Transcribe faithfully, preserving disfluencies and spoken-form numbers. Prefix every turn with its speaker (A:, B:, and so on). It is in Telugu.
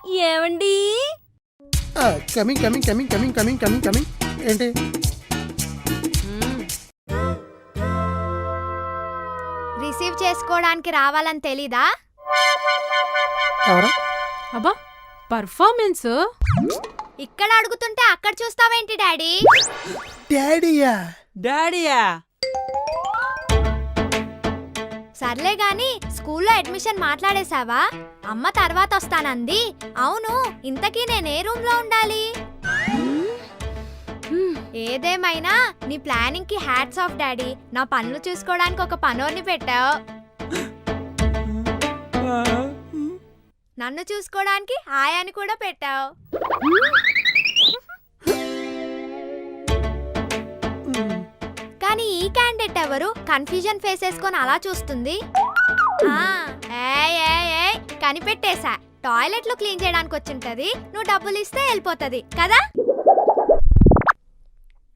A: ఏమండి?
B: Coming coming coming coming coming coming coming ఏంటి?
C: రిసీవ్ చేసుకోవడానికి రావాలని తెలీదా?
B: ఎవరా?
A: అబ్బా పర్ఫార్మెన్స్
C: ఇక్కడ అడుగుతుంటే అక్కడ చూస్తావేంటి డాడీ?
B: డాడీయా?
D: డాడీయా?
C: సర్లే గాని స్కూల్లో అడ్మిషన్ మాట్లాడేశావా? అమ్మ తర్వాత వస్తానంది. అవును, ఇంతకీ నేనే రూమ్ లో ఉండాలి? ఏదేమైనా నీ ప్లానింగ్ కి హ్యాట్స్ ఆఫ్ డాడీ. నా పనులు చూసుకోవడానికి ఒక పనోర్ని పెట్టావు, నన్ను చూసుకోవడానికి ఆయాని కూడా పెట్టావు. కానీ ఈ క్యాండిడేట్ ఎవరు? కన్ఫ్యూజన్ ఫేస్ వేసుకొని అలా చూస్తుంది. కనిపెట్టేశా, టాయిలెట్లు క్లీన్ చేయడానికి వచ్చింటది. నువ్వు డబ్బులు ఇస్తే వెళ్ళిపోతుంది కదా.